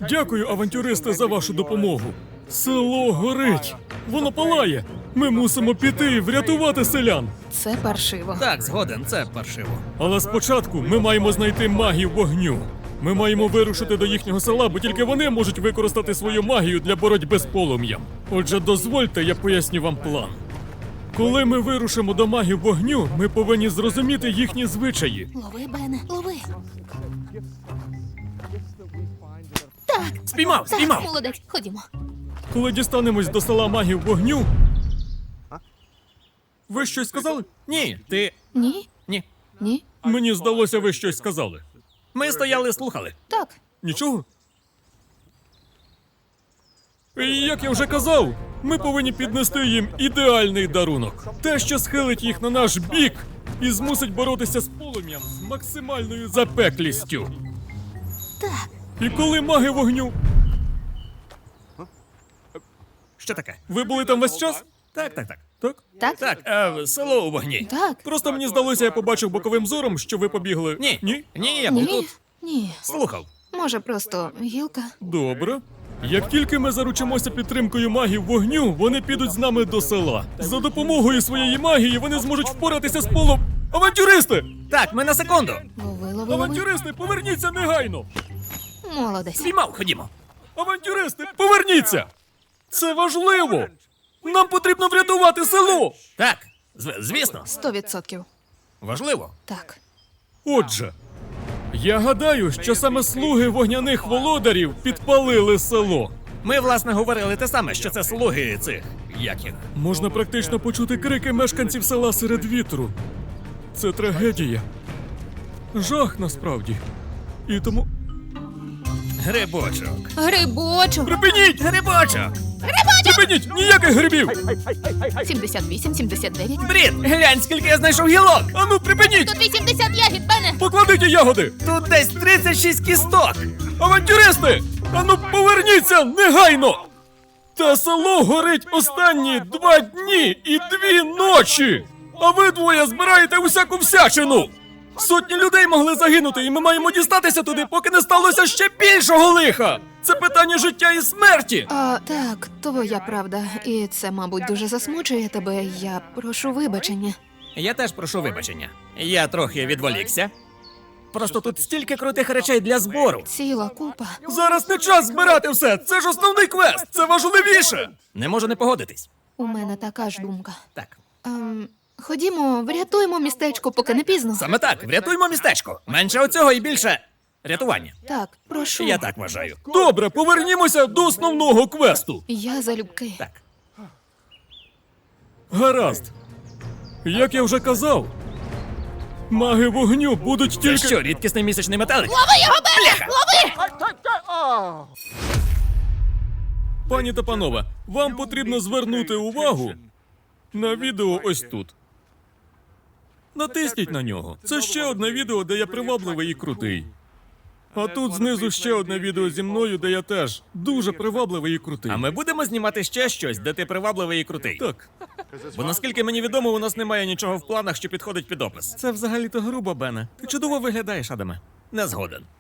Дякую, авантюристи, за вашу допомогу. Село горить. Воно палає. Ми мусимо піти і врятувати селян. Це паршиво. Так, згоден, це паршиво. Але спочатку ми маємо знайти магів вогню. Ми маємо вирушити до їхнього села, бо тільки вони можуть використати свою магію для боротьби з полум'ям. Отже, дозвольте, я поясню вам план. Коли ми вирушимо до магів вогню, ми повинні зрозуміти їхні звичаї. Лови, Бене, лови. Спіймав, Так, спіймав! молодець, ходімо. Коли дістанемось до села магів вогню... Ви щось сказали? Ні, ти... Ні? Ні. Ні? Мені здалося, ви щось сказали. Ми стояли, слухали. Так. Нічого? І як я вже казав, ми повинні піднести їм ідеальний дарунок. Те, що схилить їх на наш бік і змусить боротися з полум'ям з максимальною запеклістю. Так. І коли маги вогню... Що таке? Ви були там весь час? Так, так, так. Так? Так? Так, село у вогні. Так. Просто мені здалося, я побачив боковим зором, що ви побігли. Ні. Ні? Ні, я був Ні? тут. Ні. Слухав. Може, просто гілка? Добре. Як тільки ми заручимося підтримкою магів вогню, вони підуть з нами до села. За допомогою своєї магії вони зможуть впоратися з полом. Авантюристи! Так, ми на секунду. Лови, лови, лови. Авантюристи, поверніться негайно! Молодець. Спіймав, ходімо. Авантюристи, поверніться! Це важливо! Нам потрібно врятувати село! Так, звісно. 100%. Важливо. Так. Отже, я гадаю, що саме слуги вогняних володарів підпалили село. Ми, власне, говорили те саме, що це слуги цих... Як їх? Можна практично почути крики мешканців села серед вітру. Це трагедія. Жах насправді. І тому. Грибочок. Грибочок. Припиніть! Грибочок! Припиніть! Ніяких грибів! 78, 79. Брід, глянь, скільки я знайшов гілок! Ану, припиніть! Тут 80 ягід, Бене. Покладіть ягоди! Тут десь 36 кісток! Авантюристи! Ану, поверніться негайно! Та село горить останні 2 дні і 2 ночі! А ви двоє збираєте усяку всячину! Сотні людей могли загинути, і ми маємо дістатися туди, поки не сталося ще більшого лиха! Це питання життя і смерті! Так, твоя правда. І це, мабуть, дуже засмучує тебе. Я прошу вибачення. Я теж прошу вибачення. Я трохи відволікся. Просто тут стільки крутих речей для збору. Ціла купа. Зараз не час збирати все! Це ж основний квест! Це важливіше! Не можу не погодитись. У мене така ж думка. Так. Ходімо, врятуємо містечко, поки не пізно. Саме так, врятуймо містечко. Менше оцього і більше рятування. Так, прошу. Я так вважаю. Добре, повернімося до основного квесту. Я залюбки. Так. Гаразд. Як я вже казав, маги вогню будуть Це тільки... що, рідкісний місячний метелик? Лови його, Бене! Лови! Пані та панове, вам потрібно звернути увагу на відео ось тут. Натисніть на нього. Це ще одне відео, де я привабливий і крутий. А тут знизу ще одне відео зі мною, де я теж дуже привабливий і крутий. А ми будемо знімати ще щось, де ти привабливий і крутий. Так, Бо наскільки мені відомо, у нас немає нічого в планах, що підходить під опис. це взагалі-то грубо, Бене. Ти чудово виглядаєш, Адаме. Не згоден.